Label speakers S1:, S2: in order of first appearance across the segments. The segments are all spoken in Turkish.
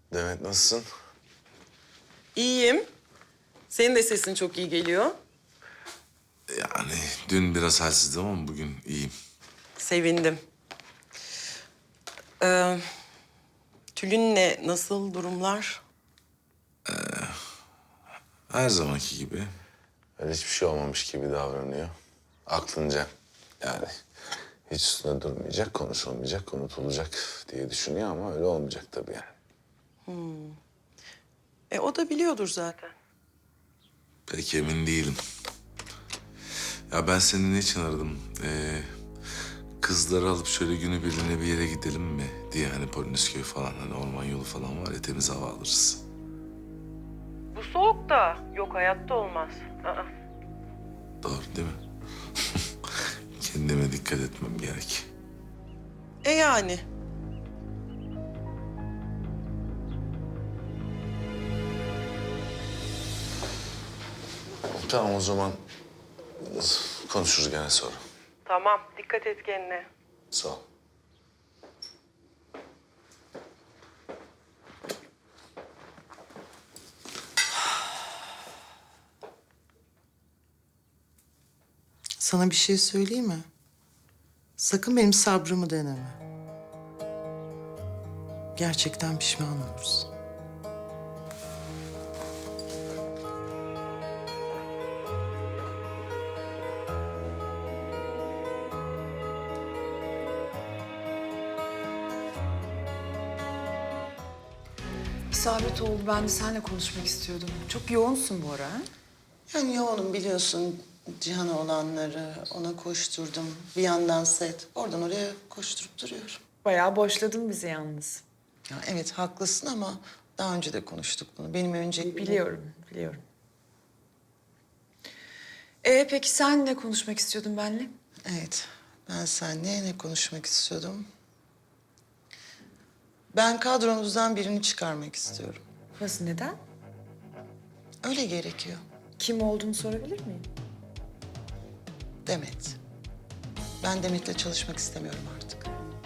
S1: Demet nasılsın?
S2: İyiyim. Senin de sesin çok iyi geliyor.
S1: Yani dün biraz halsizdim ama bugün iyiyim.
S2: Sevindim. Ee, Tülin'le nasıl durumlar?
S1: Her zamanki gibi. Öyle hiçbir şey olmamış gibi davranıyor. Aklınca yani hiç üstüne durmayacak, konuşulmayacak, unutulacak diye düşünüyor ama öyle olmayacak tabii yani.
S2: O da biliyordur zaten.
S1: Pek emin değilim. Ya ben seni niçin aradım? Kızları alıp şöyle günübirliğine bir yere gidelim mi diye hani Polonezköy falan hani orman yolu falan var ya temiz hava alırız.
S2: Bu soğukta yok hayatta olmaz.
S1: Doğru değil mi? Kendime dikkat etmem gerek.
S2: Yani.
S1: Tamam o zaman konuşuruz gene sonra.
S2: Tamam dikkat et kendine.
S1: Sağ ol.
S3: Sana bir şey söyleyeyim mi? Sakın benim sabrımı deneme. Gerçekten pişman olursun.
S4: İsabet oldu. Ben de seninle konuşmak istiyordum. Çok yoğunsun bu ara. Ha?
S3: Yani yoğunum biliyorsun. Cihan'a olanları, ona koşturdum. Bir yandan set, oradan oraya koşturup duruyorum.
S4: Bayağı boşladın bizi yalnız.
S3: Ya evet haklısın ama daha önce de konuştuk bunu. Benim önce...
S4: Biliyorum, biliyorum. Peki sen ne konuşmak istiyordun benimle?
S3: Evet, ben seninle ne konuşmak istiyordum? Ben kadronuzdan birini çıkarmak istiyorum.
S4: Nasıl, neden?
S3: Öyle gerekiyor.
S4: Kim olduğunu sorabilir miyim?
S3: Demet. Ben Demet'le çalışmak istemiyorum artık.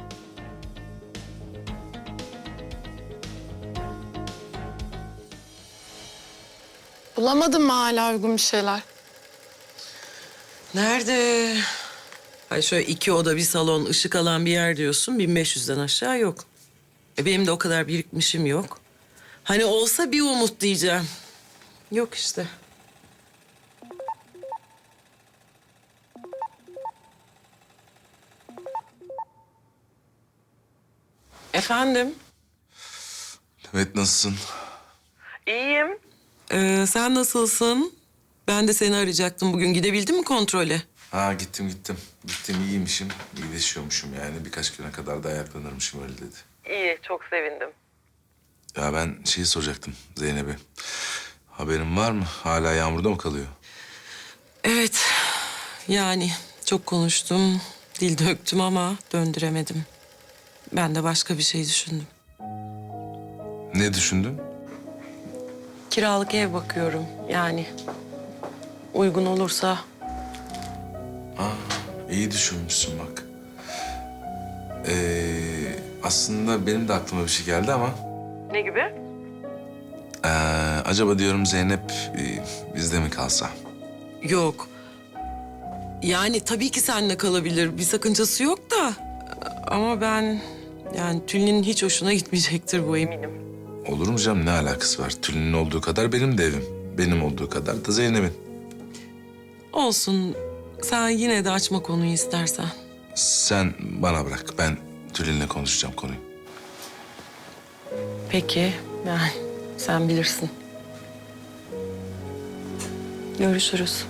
S5: Bulamadın mı hala uygun bir şeyler?
S2: Nerede? Ay şöyle 2 oda bir salon ışık alan bir yer diyorsun. 1500'den aşağı yok. Benim de o kadar birikmişim yok. Hani olsa bir umut diyeceğim. Yok işte. Efendim?
S1: Demet nasılsın?
S2: İyiyim. Sen nasılsın? Ben de seni arayacaktım bugün. Gidebildin mi kontrole?
S1: Ha gittim. Gittim iyiymişim. İyileşiyormuşum yani. Birkaç güne kadar da ayaklanırmışım öyle dedi.
S2: İyi, çok sevindim.
S1: Ya ben şeyi soracaktım Zeynep'e. Haberin var mı? Hala yağmurda mı kalıyor?
S2: Evet, yani çok konuştum, dil döktüm ama döndüremedim. Ben de başka bir şey düşündüm.
S1: Ne düşündün?
S2: Kiralık ev bakıyorum yani. Uygun olursa.
S1: İyi düşünmüşsün bak. Aslında benim de aklıma bir şey geldi ama...
S2: Ne gibi?
S1: Acaba diyorum Zeynep bizde mi kalsa?
S2: Yok. Yani tabii ki seninle kalabilir. Bir sakıncası yok da. Ama ben yani Tülin'in hiç hoşuna gitmeyecektir bu eminim.
S1: Olur mu canım? Ne alakası var? Tülin'in olduğu kadar benim de evim. Benim olduğu kadar da Zeynep'in.
S2: Olsun. Sen yine de açma konuyu istersen.
S1: Sen bana bırak. Ben Tülin'le konuşacağım konuyu.
S2: Peki. Yani sen bilirsin. Görüşürüz.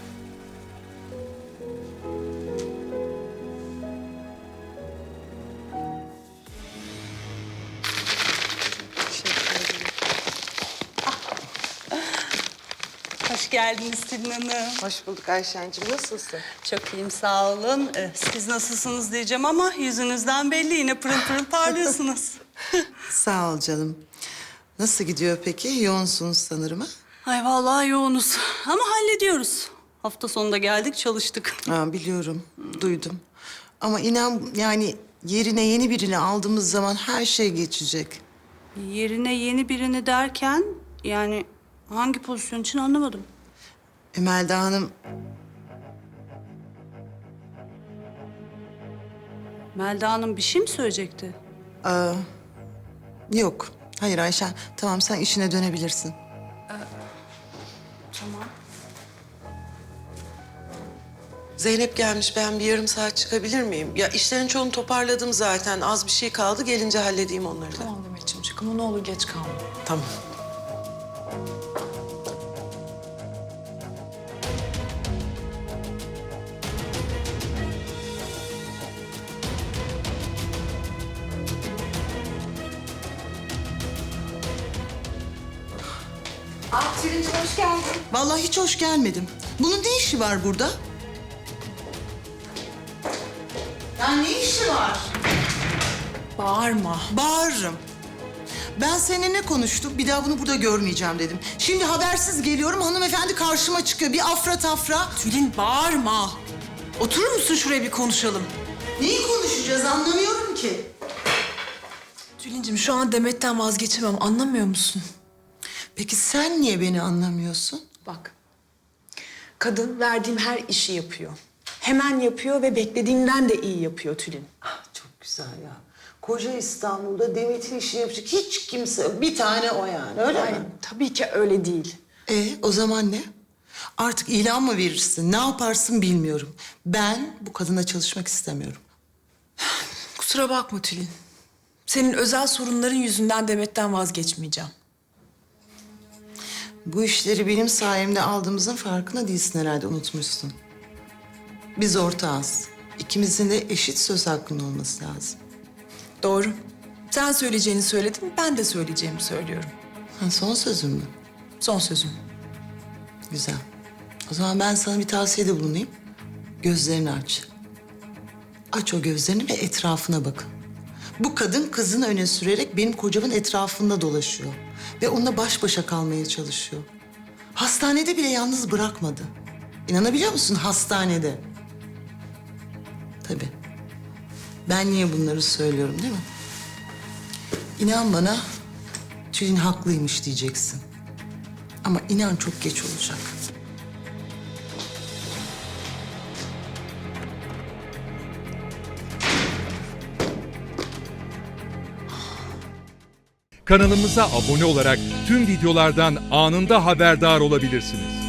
S6: Hoş geldiniz Tülin Hanım.
S3: Hoş bulduk Ayşen'cim. Nasılsın?
S6: Çok iyiyim, sağ olun. Siz nasılsınız diyeceğim ama yüzünüzden belli, yine pırıl pırıl parlıyorsunuz.
S3: Sağ ol canım. Nasıl gidiyor peki? Yoğunsunuz sanırım ha?
S6: Ay vallahi yoğunuz ama hallediyoruz. Hafta sonunda geldik, çalıştık.
S3: Biliyorum, duydum. Ama inan yani yerine yeni birini aldığımız zaman her şey geçecek.
S6: Yerine yeni birini derken yani hangi pozisyon için anlamadım.
S3: Melda Hanım,
S6: Melda Hanım bir şey mi söyleyecekti?
S3: yok. Hayır Ayşen, tamam sen işine dönebilirsin.
S6: Tamam.
S2: Zeynep gelmiş. Ben bir yarım saat çıkabilir miyim? Ya işlerin çoğunu toparladım zaten. Az bir şey kaldı. Gelince halledeyim onları da.
S4: Tamam Demetciğim çık ama ne olur geç kalma.
S2: Tamam.
S5: Tülin'cim hoş geldin.
S3: Vallahi hiç hoş gelmedim. Bunun ne işi var burada? Ya ne işi var?
S4: Bağırma.
S3: Bağırırım. Ben seninle ne konuştuk? Bir daha bunu burada görmeyeceğim dedim. Şimdi habersiz geliyorum, hanımefendi karşıma çıkıyor. Bir afra tafra.
S4: Tülin bağırma. Oturur musun şuraya bir konuşalım?
S3: Neyi konuşacağız anlamıyorum ki.
S4: Tülin'cim şu an Demet'ten vazgeçemem anlamıyor musun?
S3: Peki sen niye beni anlamıyorsun?
S5: Bak, kadın verdiğim her işi yapıyor. Hemen yapıyor ve beklediğimden de iyi yapıyor Tülin.
S3: Çok güzel ya. Koca İstanbul'da Demet'in işini yapacak hiç kimse yok. Bir tane o yani, öyle
S5: Ay,
S3: mi?
S5: tabii ki öyle değil.
S3: O zaman ne? Artık ilan mı verirsin, ne yaparsın bilmiyorum. Ben bu kadına çalışmak istemiyorum.
S4: Kusura bakma Tülin. Senin özel sorunların yüzünden Demet'ten vazgeçmeyeceğim.
S3: Bu işleri benim sayemde aldığımızın farkında değilsin herhalde, unutmuşsun. Biz ortağız. İkimizin de eşit söz hakkının olması lazım.
S4: Doğru. Sen söyleyeceğini söyledin, ben de söyleyeceğimi söylüyorum.
S3: Son sözüm mü?
S4: Son sözüm.
S3: Güzel. O zaman ben sana bir tavsiyede bulunayım. Gözlerini aç. Aç o gözlerini ve etrafına bakın. Bu kadın kızını öne sürerek benim kocamın etrafında dolaşıyor. Ve onunla baş başa kalmaya çalışıyor. Hastanede bile yalnız bırakmadı. İnanabiliyor musun, hastanede? Tabii. Ben niye bunları söylüyorum değil mi? İnan bana, Tülin haklıymış diyeceksin. Ama inan çok geç olacak.
S7: Kanalımıza abone olarak tüm videolardan anında haberdar olabilirsiniz.